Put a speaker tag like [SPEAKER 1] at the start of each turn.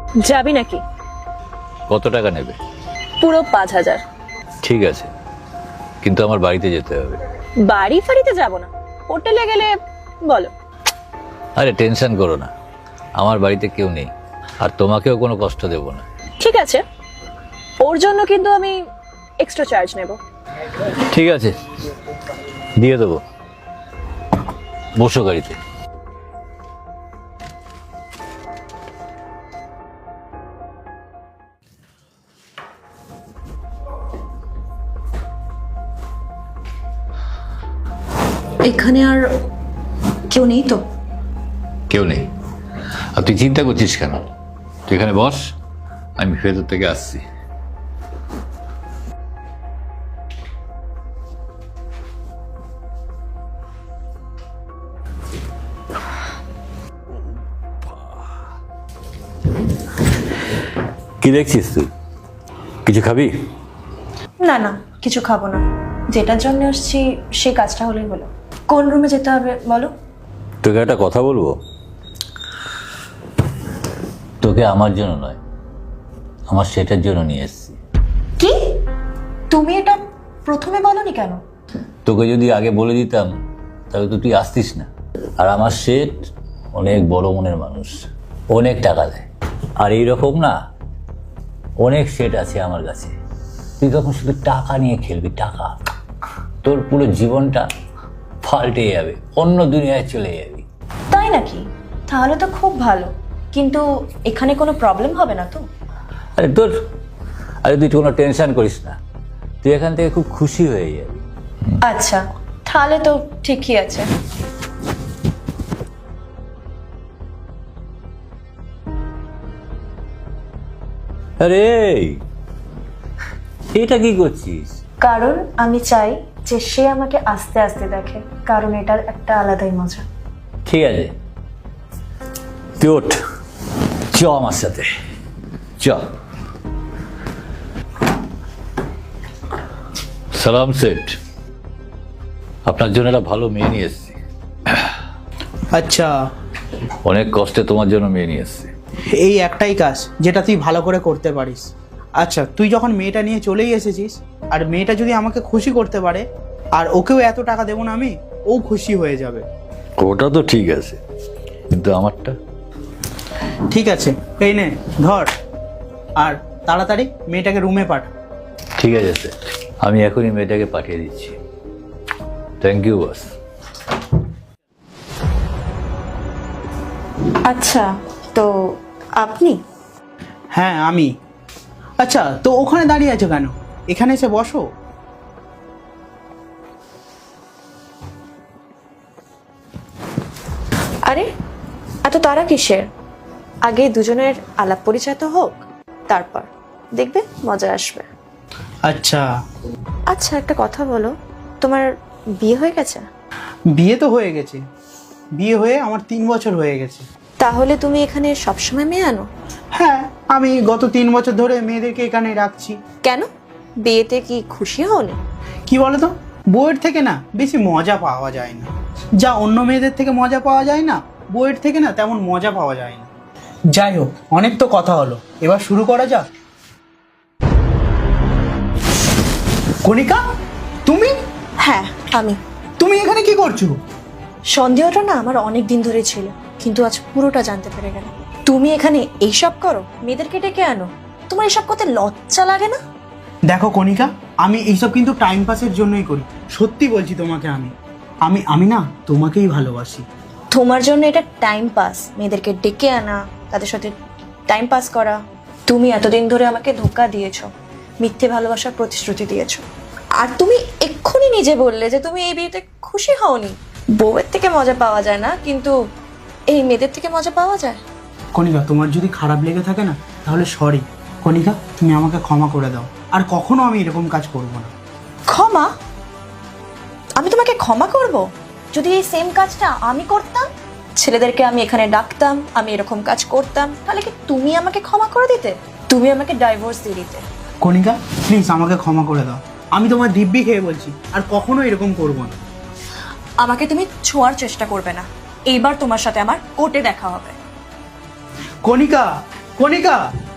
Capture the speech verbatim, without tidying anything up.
[SPEAKER 1] যাবি নাকি?
[SPEAKER 2] কত টাকা নেবে?
[SPEAKER 1] পুরো পাঁচ হাজার।
[SPEAKER 2] ঠিক আছে, কিন্তু আমার বাড়িতে যেতে হবে।
[SPEAKER 1] বাড়ি ফাড়িতে যাব না, হোটেলে গেলে বলো।
[SPEAKER 2] আরে টেনশন করো না, আমার বাড়িতে কেউ নেই, আর তোমাকেও কোনো কষ্ট দেব না।
[SPEAKER 1] ঠিক আছে, ওর জন্য কিন্তু আমি এক্সট্রা চার্জ নেব।
[SPEAKER 2] ঠিক আছে, দিয়ে দেবো। বসো গাড়িতে।
[SPEAKER 3] এখানে আর কেউ নেই তো?
[SPEAKER 2] কেউ নেই। আর তুই চিন্তা করছিস কেন? তুই এখানে বস, আমি ভেতর থেকে আসছি। কি দেখছিস তুই? কিছু খাবি?
[SPEAKER 3] না না, কিছু খাবো না। যেটার জন্য আসছি সেই কাজটা হলেই হলো। কোন রুমে যেতে হবে বলো?
[SPEAKER 2] তোকে একটা কথা বলবো। তোকে আমার জন্য নয়, আমার সেটার জন্য নিয়ে এসেছি।
[SPEAKER 3] কি? তুমি এটা প্রথমে বলনি কেন?
[SPEAKER 2] তোকে যদি আগে বলে দিতাম তাহলে তো তুই আসতিস না। আর আমার শেঠ অনেক বড় মনের মানুষ, অনেক টাকা দেয়। আর এইরকম না অনেক শেঠ আছে আমার কাছে। তুই তখন শুধু টাকা নিয়ে খেলবি, টাকা। তোর পুরো জীবনটা পাল্টে যাবে, অন্য দুনিয়ায় চলে যাবি।
[SPEAKER 3] তাই নাকি? তাহলে তো খুব ভালো, কিন্তু এখানে কোনো প্রবলেম হবে না তো?
[SPEAKER 2] আরে তোর আরে তুই কোনো টেনশন করিস না, তুই এখান থেকে খুব খুশি হয়ে যাবি।
[SPEAKER 3] আচ্ছা, তাহলে তো ঠিকই আছে।
[SPEAKER 2] আরে এটা কি করছিস?
[SPEAKER 3] কারণ আমি চাই যে সে আমাকে আস্তে আস্তে দেখে, কারণ এটার একটা আলাদাই মজা।
[SPEAKER 2] ঠিক আছে, তুই ওঠ, চ আমার সাথে, চ। সালাম সেঠ, আপনার জন্য একটা ভালো মেয়ে নিয়ে এসেছি।
[SPEAKER 4] আচ্ছা,
[SPEAKER 2] অনেক কষ্টে তোমার জন্য মেয়ে নিয়ে এসেছি।
[SPEAKER 4] এই একটাই কাজ যেটা তুই ভালো করে করতে পারিস। আচ্ছা, তুই যখন মেয়েটা নিয়ে চলেই এসেছিস, আর মেয়েটা যদি আমাকে খুশি করতে পারে, আর ওকেও এত টাকা দেবো না আমি, ও খুশি হয়ে যাবে।
[SPEAKER 2] ওটা তো ঠিক আছে, কিন্তু আমারটা?
[SPEAKER 4] ঠিক আছে, এই নে ধর, আর তাড়াতাড়ি মেয়েটাকে রুমে পাঠা।
[SPEAKER 2] ঠিক আছে স্যার, আমি এখনই মেয়েটাকে পাঠিয়ে দিচ্ছি। Thank you boss.
[SPEAKER 3] আচ্ছা, তো আপনি?
[SPEAKER 4] হ্যাঁ আমি। আচ্ছা, তো ওখানে দাঁড়িয়ে আছো কেন? এখানে এসে বসো।
[SPEAKER 3] আরে এত তারা কিসের? আগে দুজনের আলাপ পরিচয় তো হোক, তারপর দেখবে মজা আসবে।
[SPEAKER 4] আচ্ছা।
[SPEAKER 3] আচ্ছা, একটা কথা বলো, তোমার বিয়ে হয়ে গেছে?
[SPEAKER 4] বিয়ে তো হয়ে গেছে, বিয়ে হয়ে আমার তিন বছর হয়ে গেছে।
[SPEAKER 3] তাহলে তুমি এখানে সবসময় মেয়ে আনো?
[SPEAKER 4] হ্যাঁ, আমি গত তিন বছর ধরে মেয়েদেরকে এখানে রাখছি।
[SPEAKER 3] কেন, বিয়েতে কি খুশি হওনি?
[SPEAKER 4] কি বলতো, বইয়ের থেকে না বেশি মজা পাওয়া যায় না। যা অন্য মেয়েদের থেকে মজা পাওয়া যায় না, বইয়ের থেকে না তেমন মজা পাওয়া যায় না। যাই হোক, অনেক তো কথা হলো, এবার শুরু করা যাক। কণিকা, তুমি?
[SPEAKER 3] হ্যাঁ আমি।
[SPEAKER 4] তুমি এখানে কি করছো?
[SPEAKER 3] সন্দেহটা না আমার অনেক দিন ধরে ছিল, কিন্তু আজ পুরোটা জানতে পেরে গেলাম। তুমি এখানে এইসব করো, মেয়েদেরকে ডেকে আনো? তোমার এসব করতে লজ্জা লাগে না?
[SPEAKER 4] দেখো কণিকা, আমি এইসব কিন্তু টাইম পাসের জন্যই করি। সত্যি বলছি তোমাকে, আমি আমি আমি না তোমাকেই ভালোবাসি।
[SPEAKER 3] তোমার জন্য এটা টাইম পাস, মেয়েদেরকে ডেকে আনা, তাদের সাথে টাইম পাস করা। তুমি এতদিন ধরে আমাকে ধোঁকা দিয়েছো, মিথ্যে ভালোবাসার প্রতিশ্রুতি দিয়েছো, আর তুমি এক্ষুনি নিজে বললে যে তুমি এই বিয়েতে খুশি হওনি। বউয়ের থেকে মজা পাওয়া যায় না, কিন্তু এই মেয়েদের থেকে মজা পাওয়া যায়।
[SPEAKER 4] কণিকা, তোমার যদি খারাপ লেগে থাকে না, তাহলে সরি। কণিকা, তুমি আমাকে ক্ষমা করে দাও, আর কখনো আমি এরকম কাজ করব না।
[SPEAKER 3] ক্ষমা? আমি তোমাকে ক্ষমা করব? যদি এই সেম কাজটা আমি করতাম, ছেলেদেরকে আমি এখানে ডাকতাম, আমি এরকম কাজ করতাম, তাহলে কি তুমি আমাকে ক্ষমা করে দিতে? তুমি আমাকে ডাইভোর্স দিয়ে দিতে।
[SPEAKER 4] কণিকা, প্লিজ আমাকে ক্ষমা করে দাও। আমি তোমার দিব্যি খেয়ে বলছি, আর কখনো এরকম করব না।
[SPEAKER 3] আমাকে তুমি ছোঁয়ার চেষ্টা করবে না, এইবার তোমার সাথে আমার কোর্টে দেখা হবে।
[SPEAKER 4] কণিকা, কণিকা